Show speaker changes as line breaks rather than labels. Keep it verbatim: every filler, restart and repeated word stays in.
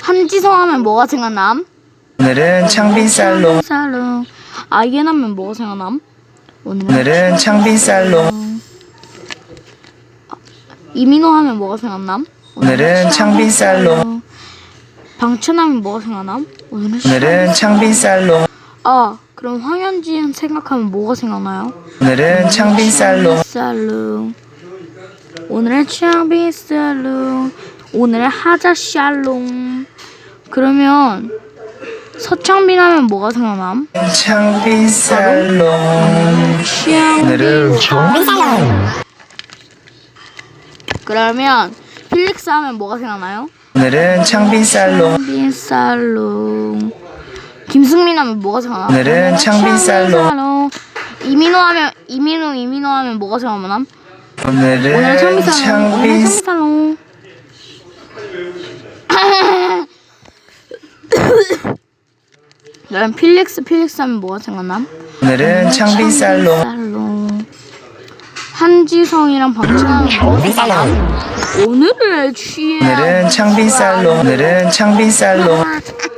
한지성 하면 뭐가 생각남?
오늘은 창빈살롱.
살롱. 아이엔 하면 뭐가 생각남?
오늘은 창빈살롱.
이민호 하면 뭐가 생각남?
오늘은 창빈살롱.
방천 하면 뭐가 생각남? 오늘은,
오늘은 창빈살롱.
아, 그럼 황현진 생각하면 뭐가 생각나요?
오늘은 창빈살롱.
살롱. 오늘은 창빈살롱. 오늘은 하자샬롱. 그러면 서창빈 하면 뭐가 생각남?
창빈살롱. 오늘은
창빈살롱. 그러면 필릭스 하면 뭐가 생각나요?
오늘은 창빈살롱.
창빈살롱. 김승민 하면 뭐가 생각나?
오늘은 창빈살롱.
창빈살롱. 이민호 하면 이민호 이민호 하면 뭐가 생각나?
오늘은
오늘 창빈살롱. 오늘
창빈.
창빈살롱. 그럼 필릭스 필릭스 하면 뭐가 생각나?
오늘은 창빈살롱.
창빈살롱. 한지성이랑 방청하면 뭐가 생각나? 오늘을 취해.
오늘은 창빈살롱. 오늘은 창빈살롱.